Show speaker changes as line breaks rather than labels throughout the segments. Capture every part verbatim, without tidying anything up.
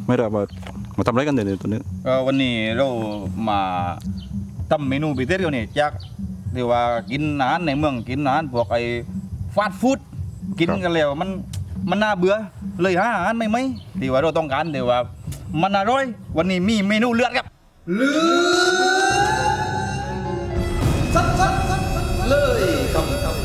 ไม่ได้มามาทำอะไรกันเนี่ยตัวนี้
วันนี้เรามาทำเมนูพิเศษกันนี่จากที่ว่ากินอาหารในเมืองกินอาหารพวกไอ้ฟาสต์ฟู้ดกินกันแล้วมันมันน่าเบื่อเลยหาอาหารไม่ไหมที่ว่าเราต้องการที่ว่ามันอร่อยวันนี้มีเมนูเลือดครับเลือดซัดซัดซัดเลยครับ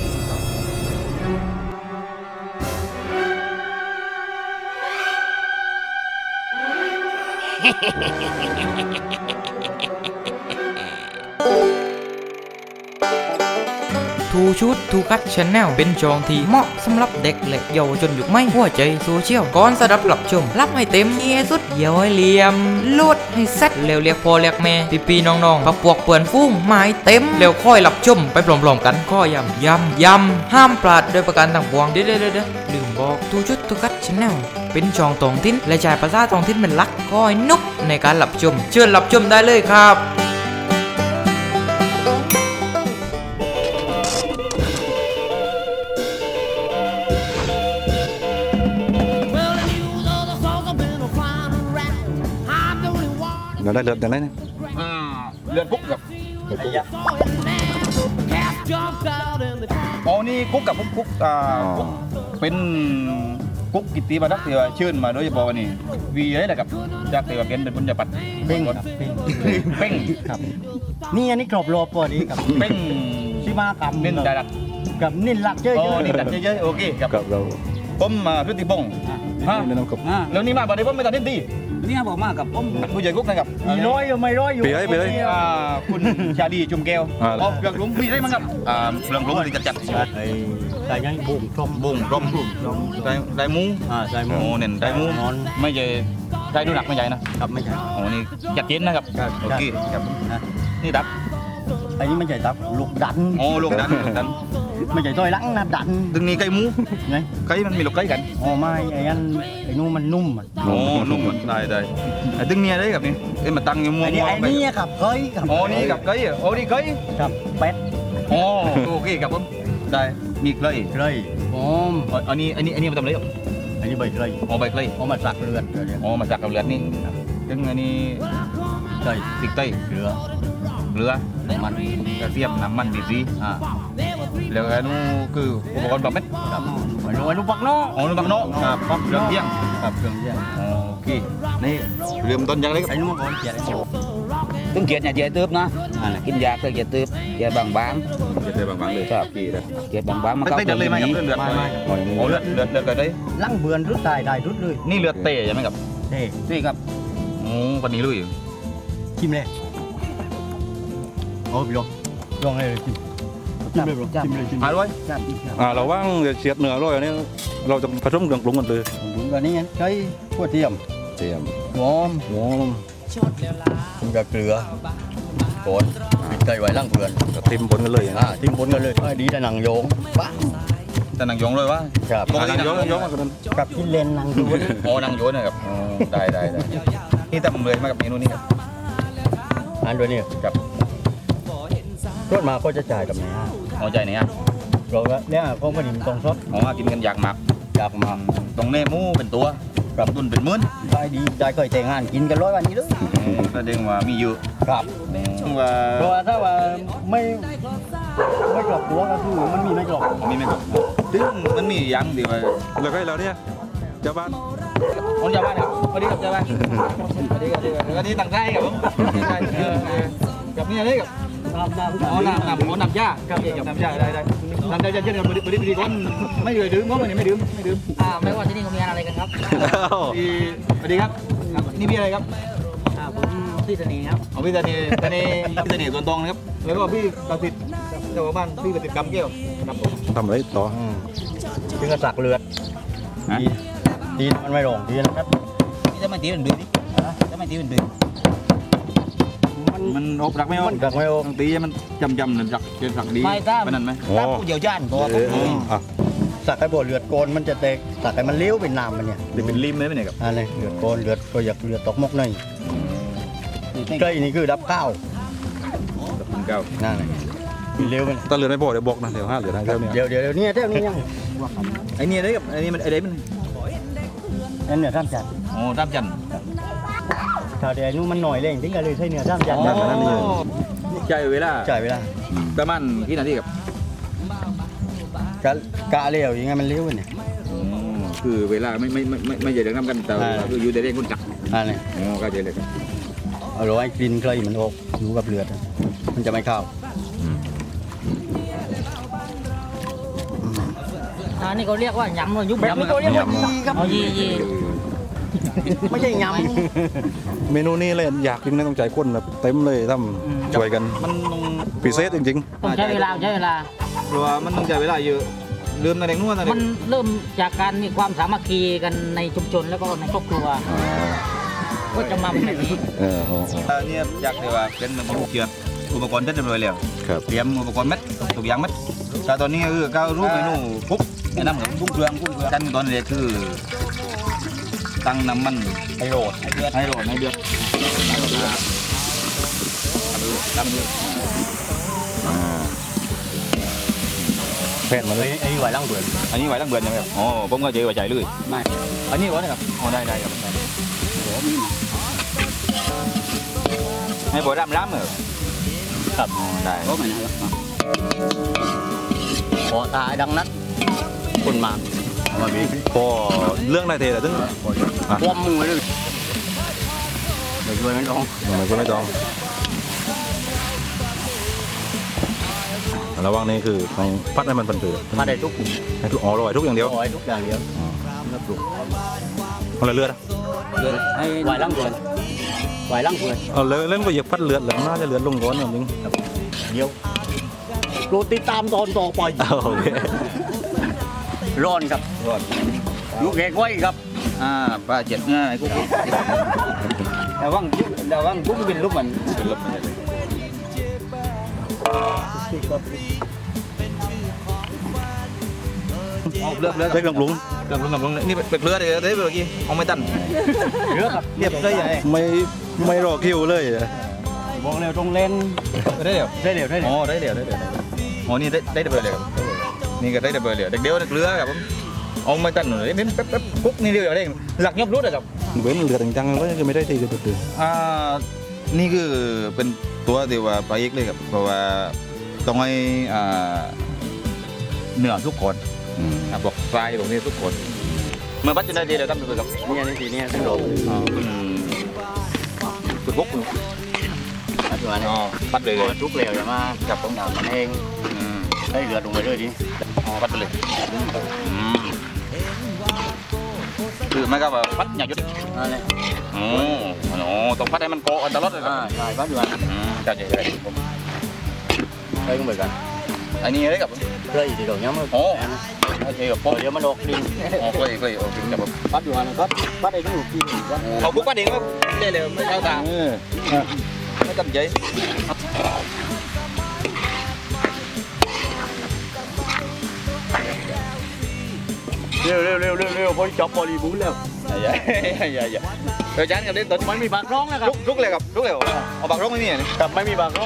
ทูชุดทูคัดชแนลเป็นจองที่เหมาะสำหรับเด็กและเยาวชนยุคใหม่หัวใจโซเชียลก่อนสดับหลับชมรับให้เต็มเอียสุดเยี่ยวให้เหลี่ยมลดให้เซ็ตเร็วเรียกพอเรียกแม่พี่พี่น้องๆพักพวกเปื่อนฟุ้งหมายเต็มเร็วค่อยหลับชมไปพร้อมๆกันก็ยำยำยำห้ามพลาดโดยประการต่างปวงเด้อเด้อเด้อลืมบอกทูชุดทูคัดชแนลเป็นจองตองทิ้นและจ่ายภาษาตองทิ้นเป็นหลักก้อยนุกในการหลับชมเชิญหลับชมได้เลยครับ
เราได้เลือดอย่างไรเนี่ย
เลือดกุ๊กกับอ๋อนี่กุ๊กกับกุ๊กกุ๊กอ่ากุ๊กเป็นกุ๊กกิตติมาดักที่ว่าชื่นมาโดยเฉพาะนี่วีอะไรนะครับจากที่ว่าเป็นเป็นบุญญาปัต
เป้งครับเป้ง
เป้ง
ครับนี่อันนี้กรอบโลปอนี้กับ
เป้ง
ชิมากรรม
นินดาดัก
กับนินหลักเยอะ
ๆอ๋อนินดักเยอะๆโอเคครับ
กับเรา
ผมมาพฤติพงศ์ฮะแล้วนี่มาบ่ได้ผมไม่ตัดนินดี
นี่บอกมากับผม
ผู้ใหญ่กุ๊กนะครับ
มีร้อยอยู่ไม่ร้อยอยู่
ปีไรปีไร
คุณชาดีจุ่มแก้วอ๋อเปลือกหลุมปีไรมั้งครับอ่าเปลือกหลุมที่จัดจัด
ไอ้ใส่ยังบุ้งต้ม
บุ้งต้มได้ได้หมู
อ่าใส่หมู
โอ้เน่นได้หมูไม่ใช่ได้ดูหนักไม่ใหญ่นะครับ
ไม่ใช่
โอ้นี่จัดเย็นนะครับโอเคครับนี่ดับ
ไอ้นี่ไม่ใช่ดับลูกดัน
โอ้ลูกดันลูกดัน
ไม่ใช่ต้อยหลังนะดัน
ดึงนี่ไก่หมู
ไง
ไก่มันมีลูกไก่กัน
อ๋อไม่ไอ้นั่นไอ้นู้มันนุ่มอ่ะ
โอ้นุ่มได้ได้ไอ้ดึงเนี่ยได้กับนี่ไอ้มาตั้งอยู่มัว
ไอ้นี่กับเกยกับ
โอ้นี่กับเกยโอ้นี่เกย
กับเป็ด
โอ้โอเคครับผมได้มีเกย
เกยอ๋อ
อันนี้อันนี้อันนี้มาทำอะไรครับ
อันนี้ใบเกย
อ๋อใบเกย
อ๋อมาสักเลือด
อ๋อมาสักกับเลือดนี่ดึงอันนี้
เกย
ติกเกย
เกลือ
เกลือ
มัน
กระเทียมน้ำมันดีซีอ่าแล้วอันนู้คืออุปกรณ์แบบเม็ด
ครับอันนู้นอันนู้นปักโน่
อ๋อนู้นปักโน่ครับเครื่องเที่ยง
ครับเครื่องเที่ยง
โอเคนี่เริ่มต้นยังไงครับ
ไอ้นู้นก่อนเกียร์
ตึงเกียร์เนี่ยเกียร์ตืบนะกินยาก็เกียร์ตืบเกียร์บางบาง
เกียร์บางๆเลยครับเ
กียร์บางบาง
มันก็เลือดเลยไหมครับเลือดไม่ไม่โอ้เลือดเลือดเลือดกันได้
ลั่งเบือนรุดได้ได้รุดเลย
นี่เลือดเตะใช่ไหมครับ
เตะ
นี่ครับ
โอ้วันนี้ลุย
ชิมเลยโอ้พี่ลองลองเลยชิมชิมเลยบรชิมเลยชิม
อร่อย
อ่าเราว่างเฉียดเนื้ออร่อยอันนี้เราจะผสมเครื่องปรุงกันเลย
ปรุงกันนี่ไงใช้ขั้วเทียม
เทียม
หอม
หอม
กับเกลือก่อนปิดใจไว้ล่างเบือน
กับทิมบนกันเลย
อ่าทิมบนกันเลยดีแต่หนังโยงปะ
แต่หนังโยงเลยวะ
ครับ
หนังโยงโยง
กับกินเลนหนังโยง
อ๋อหนังโยงนะครับได้ได้ได้นี่ทำเลยมากับเมนูนี้ครับ
อันด้วยนี่
กับ
รถมาก็จะจ่ายกับไหนฮะ
อ๋อจ่ายไหนฮะ
เราเนี่ยก็พอดีมันตรงซด
อ๋อกินกันอยากหมัก
อยากหมัก
ตรงเน่มูเป็นตัวกับตุนเป็นมื้น
ได้ดีได้เคยแต่งงานกินกันร้อยวันนี้ด้วย
แสดงว่ามีเยอะ
ครับ
ว่า
เพราะว่าถ้าว่าไม่ไม่กรอบตัวก็คือมันมีไม่กรอบ
มีไม่กรอบถึงมันมีอย่างเดียว
แล้วก็เราเนี่ยเจ้าบ้าน
คนเจ้าบ้านครับสวัสดีครับเจ้าบ้านสวัสดีครับวันนี้ต่างใจครับผมกับนี่อะไรกับ
น้ำน้ำ
อ๋อน้ำน้ำอ๋อน้ำยาครับน้ำยาได้ได้น้ำยาเช่นกันบริบริบริคนไม่ดื่มดื่มมั้งวันนี้ไม่ดื่มไม่ดื่ม
อ่าไม่ว่าที่นี่เขามีอะไรกันครับ
สวัสดีครับนี่พี่อะไรครับ
อ่าผมพี่เสน่ห์ครับ
อ๋อพี่เสน่ห์เสน่ห์พี่เสน่ห์ส่วนตรงนะครับแล้วก็พี่ประสิทธิ์เจ้าบ้านพี่ประสิทธิ์กำเกี้ยวครับผม
ทำอะไรต่อ
ถึงกระสักเลือดดีดีมันไม่ลงดีนะครับ
นี่จะมาตีเป็นเดือนดิจะมาตีเป็นเดือน
มันอบรักไม่อบ
รักไม่อบ
ตีมันจำจำหนึ่งรักเกินสักดี
ไม่ถ้า
เป็นนั่นไหม
ถ้าผู้เดี่ยวจานก็
สักไอ้บ่อเลือดโกนมันจะแตกสักไอ้มันเลี้ยวเป็นน้ำมันเนี่ย
เป็นริมเลยไหมเนี่ยครับ
อะไรเลือดโกนเลือดก็อยากเลือดตกมกหน่อยใกล้นี่คือดับข้าว
ดับข้าว
นั่นเลยเลี้ยวไป
ตาเลือดไม่พอเดี๋ยวบอกนะเดี๋ยวห้าเลือดให้เท่านี้
เดี๋ยวเดี๋ยวนี่เท่านี้ยัง
ไอ้นี่ได้กับไอ้นี่มันไอ้เด็กมัน
อันเนี่ยท่านจัด
โอ้ตามจัน
ถ้าแต่อายุมันหน่อยเร่งถึงก็เลยใช้เนื้อสามจัน
อ๋
แบบนั้นนี่
อใจเวลา
จ่ายเวลา
ประมาณกี่นาทีครับ
กะกะเร็วยังไงมันเร็วเนี่ย
คือเวลาไม่ไม่ไม่ไม่ไม่ใช่เรื่องน้ำกันแต่ว่าคืออยู่ในเรื่องคนจับ
อันนี้
อ๋อก็เจอเลยครับ
เอาไว้กลิ่นเคยมันออกอยู่กับเลือดอะมันจะไม่เข้า
อันนี้เขาเรียกว่ายำเลยยุบแบบนี้
ยำ
เขาเรียกว่ายีครับเอายียี
ไม่ใช่ย
เมนูนี้เลยอยากกินนะต้องใจคนแบบเต็มเลยทำช่วยกัน
มันต้อง
พิเศษจริง
ต้องใช้เวลาใช้เวลา
เพราะว่ามันต้องใช้เวลาเยอะลืมในเด็กนวดนะเด็
มันเริ่มจากการมีความสามัคคีกันในชุมชนแล้วก็ในครอบครัวก็จะมาเป็นแบบนี้
ๆเอออ๋ออ๋อ
อันนี้อยากเลยว่าเป็นเหมือนผู้เกี่ยวอุปกรณ์เสร็จเรียบร้อยแล้ว
ครับ
เตรียมอุปกรณ์เม็ดทุกอย่างเม็ดแต่ตอนนี้คือก้าวรูปเมนูปุ๊บแนะนำกับกุ้งเครื่องกุ้งเครื่องขั้นตอนแรกคือตั้งน้ำมันให้โรดให้เดือดให้โรดให้เดือดตั้งเดือด
แพทย์มา
ำ
เล
ไอ้
ย
ไอ้ไหวล่างเบือน
อันนี้ไหวตั้งเบือนยังไงครับอ๋อผมก็เจอไหวใจเลย
ไม่
อันนี้วะนะครับอ๋อได้ได้ครับให้บอดำล้ำเหรอ
ครับ
ได้
ก็ไม่นะครับพอตายดังนัดคนมาเอามาบีบ
พอเรื่องนายเทแต่ถึง
พวมมือเลยเดี๋ยวช่วยมันต้อง
ทำไมก็ไม่ต้องระหว่างนี้คือต้องพัดให้มันเป็นเผือก
มาได้ทุก
ให้ทุกอ๋ออร่อยทุกอย่างเดียว
ร้อยทุกอย่างเดียวแล้วปลุก
เอาเลยเลือดอะ
ให้ไหวล่างเบือนไหวล่างเบือน
เอาเลยเล่นก็เหยียบพัดเลือดแล้วน่าจะเลือดลงร้อนอย่างนึง
เดียวโปรดติดตามตอนต่อไป
โอเค
ร้อนครับ
รอด
ลูกเอกไว้ครับ
อ่าป้าเจ็ดง่ายกุ๊กแต่ว่างแต่ว่างกุ๊กเป็นรูปมันเป็นรูปมันเอาเลือกเลือก
ได้เครื่องปรุง
เลือกลุงกับลุงนี่เป็ดเลือดเลยได้เมื่อกี้เอาไม่ตัน
เลือกครับ
เรียบเลยยังไง
ไม่ไม่รอคิวเลยอะ
บอกเร็วตรงเล่น
ได้เดี๋ยว
ได้เร็วได้เร็
อ๋
ว
อได้เดี๋ยวได้เดี๋ยวอ๋อนี่ได้ได้เบอร์เลยนี่ก็ได้เบอร์เลยเด็กเดียวเด็กเรือครับผมเอาไม่ตันหน่อยนี่แป๊บแป๊บกุ๊กนี่เดียวได้หลักยบรุดเลยครับ
เว้นเลือดจังๆก็จะไม่ได้ทีก็ตื่น
อ่านี่คือเป็นตัวที่ว่าปลาเอกเลยครับเพราะว่าต้องให้อ่าเนื้อทุกคนอ่าบอกปลายตรงนี้ทุกคนเมื่อปัจจุบันดีเดี๋ยวตั้งตัวกับ
เนี่ยนี่ทีเนี่ยทั้งโดด
อ่าคุณคุณบุ๊กคุณ
ปัจจุบัน
อ๋อปัดเลยเลย
ทุกเร็วอย่ามาจับตรงดาวมันเอง
อืม
ได้เรือลงไปเลยดิ
อ๋อปัดไปเลยอืมคือไม่ก็แบบปัดอย่างยุด
นั่นแหละ
โอ้โหต้องพัดให้มันโกะอันตลอดเลยครั
อ่า
บ
ใช่ปัจจุบัน
อืมจัดใหญ่เลยผม
เคยก็เหมือนกัน
อันนี้อะไรกับ
เคยที่ตรงนี้มัน
โอ้โอเคกับ
พ
ผ
อ
ม
เดี๋ยวมันออกดิน
โอ้เคยเคยโอเคกับผม
ปัจจุบันก็ปัจไอ้ที่อยู่กินกัน
เอาปุ๊บปัดเองก็ได้เลยไม่เอาต่าง
เออ
ไม่ตั้งใจ
เร็วเร็วเร็วเร็วเร็วพอจับบริบูรณ์แล้ว
อย่าอย่าอย่าเดี๋ยวจานกับเล่นต้น
มันมีปากร้องนะครับ
ลุกลุกเลยครับลุกเลยเอาปากร้องไม่มีอ่ะนี่
กับไม่มีปากร้อง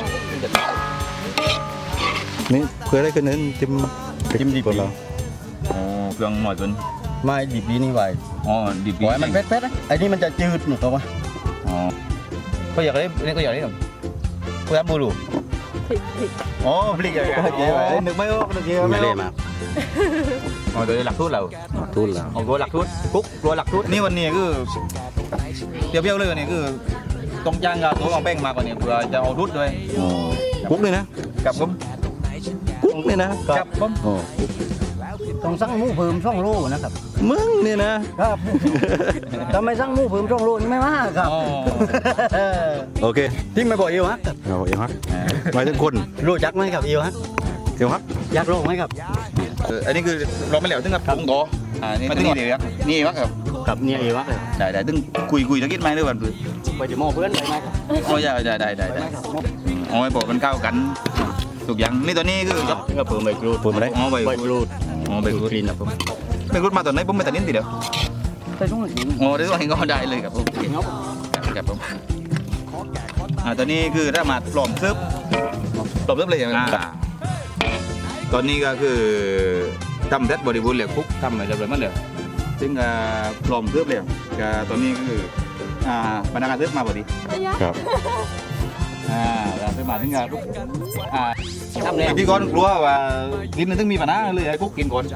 นี่เคยได้ขึ้นนั้นจิ้ม
จิ้มดิบ
คนเรา
โอ้เครื่องหน่อยเกิน
ไม่ดิบดีนี่ไหว
อ๋อดิบ
ปล่อยมันเผ็ดๆนะไอ้นี่มันจะจืดหนูตัววะ
อ๋อก็อยากได้นี่ก็อยากได้แบบก็อยากบูรูอ๋อพลิกอย่างเงี้ยนึกไม่ออกนึกยัง
ไม่
ไม่อ
เล่
อก
มา
อ๋อตัวหลักทุนเรา
ทุนแล้ว
เอาตัวหลักทุนกุ๊กตัวหลักทุนนี่วันนี้คือเปรี้ยวๆเลยวันนี้คือต้องจ้างกับตัวเอาแป้งมากกว่านี้เพื่อจะเอาทุนด้วย
อ๋อกุ๊กเลยนะ
กับผม
กุ๊กเลยนะ
กับผม
อ๋อ
ต้องสั่งหมูเพิ่มช่องโลนะครับ
มึงเนี่ยนะครับ
ทำไมสั่งหมูเพิ่มช่องโลนี่ไม่มาครับ
อ๋อ
โอเค
ที่ไม่บอกเอวฮักครับ
เอาเอวฮักหมายถึงคน
รู้จักไหมครับเอวฮัก
เอวฮัก
อยากลองไหมครับ
เอออันนี้คือเราไม่เหลวถึงกับปรุงต่ออ่านี่มาถึงนี่เดี๋ยวนี่วะครับ
กับเนี่ยเอวฮักเลย
ได้ได้ถึงคุยคุยตะกี้ไหมด้วยวันพื้น
ไปเดี๋ยวหมอเพื่อนไปไหมครับ
โอ้ยได้ได้ได้
ไป
ได้
ไหมครับหมอ
โอ้ยบอกมันเข้ากันทุกอย่างนี่ตัวนี้คือครับ
ก็เพิ่มใบกรูด
พูดมาได้
อ๋อใบ
ใบกรูด
อ๋อใบกรูด
กรีนครับผม
ใบกรูดมาตอนไหนผมไม่ตัดนิ้นติเดียว
ไปช่วงนี้
โอ้ได้ตัวเองก็ได้เลยครับผมครับผมอ่าตอนนี้คือถ้ามาปลอมซึบปลอมซึบเลยอย่างอ่าตอนนี้ก็คือทำเซตบริบูรณ์เหลวคุกทำอะไรเรียบร้อยหมดเลยซึ่งอ่าปลอมเทิบเลยก็ตอนนี้ก็คืออ่าพนักงานเทิบมาพอดี
ครับ
อ่าแล้วเทิบมาถึงกับอ่า
ทำแล้ว
พี่ก้อนกลัวว่ากินมันต้องมีปัญหาเลยไอ้กุ๊กกินก่อน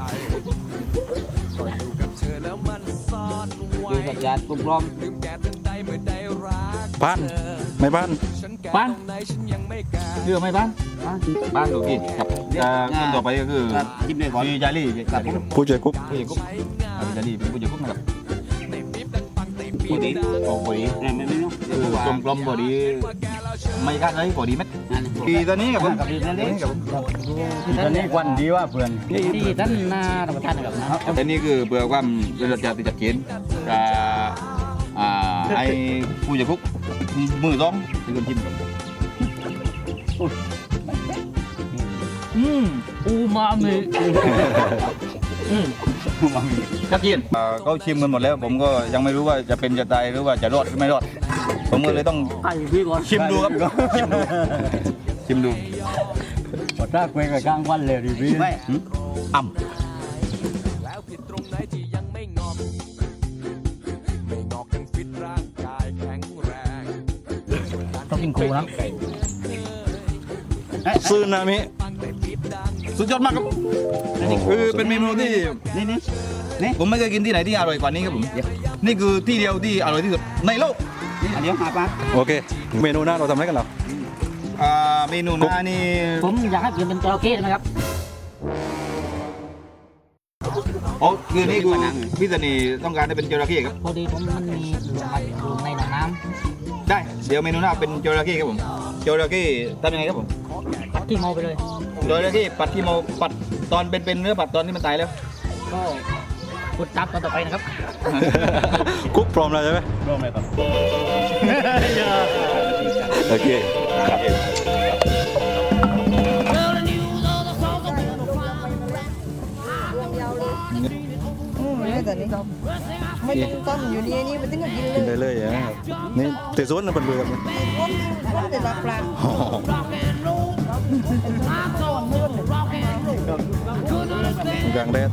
อยู่กับญาติกลุ่มพร้อม
บ้านไม่บ้าน
บ้านเชื่อไหมบ้านบ้านดูกินครับอ่าคนต่อไปก็คือ
ครับจิ้มเลยก่อน
พี่จารี่ครับผม
ผู้ช่วยกุ๊ก
ผู้ใหญ่กุ๊กอ่าพี่จารี่เป็นผู้ใหญ่กุ๊กนะครับ
ปกติ
โอ้บอดี
ไม่ไม่ไม่เนาะ
คือกลมกลมบอดีไม่กล้าเลยบอดีเม็ด
นั่น
ปีตอนนี้กับผม
กับดีนั่นเอง
กับผม
ตอนนี้ควันดีว่าเพื่อน
ที่ท่านนารับประทานนะครับนะ
แต่นี่คือเบื่อความเป็นระดับที่จัดเขียนกับอ่าไอ้ผู้ใหญ่กุ๊กมือต้องเป็นคนชิมครับ
อืมอูมามิอืม
ชัดเจนอ่าเขาชิมกันหมดแล้ว ผมก็ยังไม่รู้ว่าจะเป็นจะตายหรือว่าจะรอดหรือไม่รอด ผมก็เลยต้อง
ไก่พี่ก่อน
ชิมดูครับชิมดูชิมดู
พอถ้าคุยกับกลางวันเลยดีพี่
ไม่
อ่ำ
ต้องกินครูนะ
ซึนามิ
สุดยอดมากครับคือเป็นเมนูที่
นี่นี่นี่
ผมไม่เคยกินที่ไหนที่อร่อยกว่านี้ครับผมนี่คือที่เดียวที่อร่อยที่สุดในโลก
อันเดียวหาปลา
โอเค เมนูหน้าเราทำอะไรกันเหรอ
อ่าเมนูหน้านี่
ผมอยากให้เปลี่ยนเป็นจระเข้ได้ไหมครับ
อ๋อคือนี่คือพี่สนีต้องการให้เป็นจระเข้ครับ
พอดีผมมันมีหลุมมันอยู่ในหนองน้
ได้เดี๋ยวเมนูหน้าเป็นจระเข้ครับผมจระเข้ทำยังไงครับผม
ำปัดขี้เมาไปเลย
จระเข้ปัดที่เมาปัดตอนเป็นเป็นเนื้อปัดตอนที่มันตายแล้ว
ก็กดตามตอนต่อไปนะครับ
กุ๊กพร้อมแล้วใช่ไหม
ร่วมไหมครับ
โอเค
อืมไม่แต่นี่ไม่ต้องต้มอยู่นี่นี่มันถึงกับกินเล
กิน
ย
ได้เลยอ่ะนี่เตะสวนนะเป็นเรือครับ
ว่าแต่ละปลา
อ๋อกลางแดด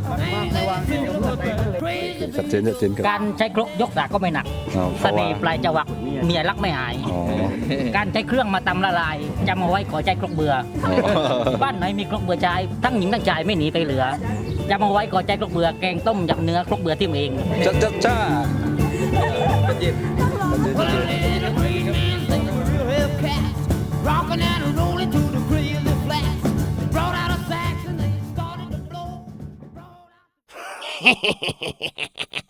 ชัดเจนชัดเจนครับ
การใช้ครกยกสากก็ไม่หนัก
อ๋อเพ
เส
ราะว่า
น่ห์ปลายจวักเมียรักไม่หาย
อ๋อ
การใช้เครื่องมาตำละลายจำเอาไว้ขอใจครกเบื่อ
อ๋อ
บ้านไหนมีครกเบื่อชายทั้งหญิงทั้งชายไม่หนีไปเหลือจำเอาไว้ขอใจครกเบื่อแกงต้มยำเนื้อครกเบื่อที่เอง
จ้าจ้าจ้า
Rocking and rolling to the crazy flats. Brought out a sax and they started to blow.